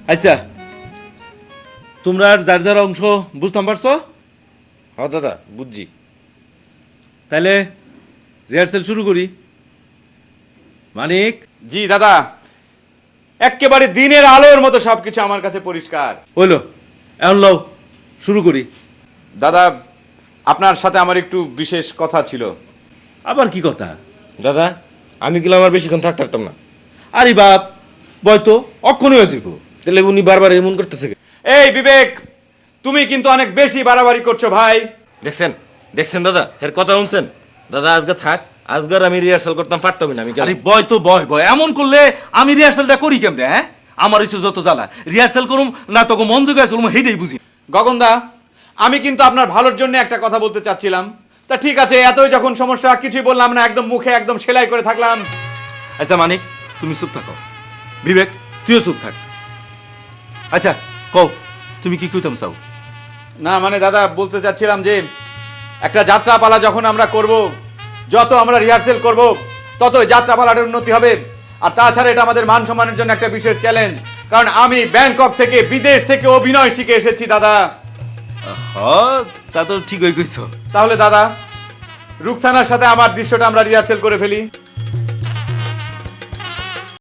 আচ্ছা, তোমরা আর যার যার অংশ বুঝতাম পারছো? হ্যাঁ দাদা, বুঝছি। তাহলে রিহার্সেল শুরু করি। মানিক। জি দাদা, একেবারে দিনের আলোর মতো সবকিছু আমার কাছে পরিষ্কার। হইলো, এখন লও শুরু করি। দাদা, আপনার সাথে আমার একটু বিশেষ কথা ছিল। আবার কি কথা? দাদা, আমি গেলে আমার বেশিক্ষণ থাকতে পারতাম না। আরে বাপ, বয়তো অক্ষণই হয়ে যাবো। তাহলে উনি বারবার এমন করতেছে কেন? এই বিবেক, তুমি কিন্তু অনেক বেশি বাড়াবাড়ি করছো ভাই। দেখছেন দেখছেন দাদা, এর কথা শুনছেন? দাদা আজকে থাক, আজকার আমি রিহার্সাল করতাম পারতামই না। আমি আরে বয় তো বয় বয়, এমন করলে আমি রিহার্সালটা করি কেমনে? হ্যাঁ, আমার হচ্ছে যত জ্বালা। রিহার্সাল করুম না তোকে মন জোগায় চলুম, হেঁটেই বুঝি। গগনদা, আমি কিন্তু আপনার ভালোর জন্য একটা কথা বলতে চাচ্ছিলাম। তা ঠিক আছে, এতই যখন সমস্যা, কিছুই বললাম না, একদম মুখে একদম সেলাই করে থাকলাম। আচ্ছা মানিক, তুমি চুপ থাকো। বিবেক, তুইও চুপ থাক। আচ্ছা কও, তুমি কি কইতাম চাও? না মানে দাদা, বলতে চাচ্ছিলাম যে একটা যাত্রাপালা যখন আমরা করব, যত আমরা রিহার্সেল করব, ততই যাত্রাপালাটার উন্নতি হবে। আর তাছাড়া এটা আমাদের মান সম্মানের জন্য একটা বিশেষ চ্যালেঞ্জ, কারণ আমি ব্যাংকক থেকে, বিদেশ থেকে অভিনয় শিখে এসেছি দাদা। হ্যাঁ, তা তো ঠিকই কইছো। তাহলে দাদা, রুকসানার সাথে আমার দৃশ্যটা আমরা রিহার্সেল করে ফেলি।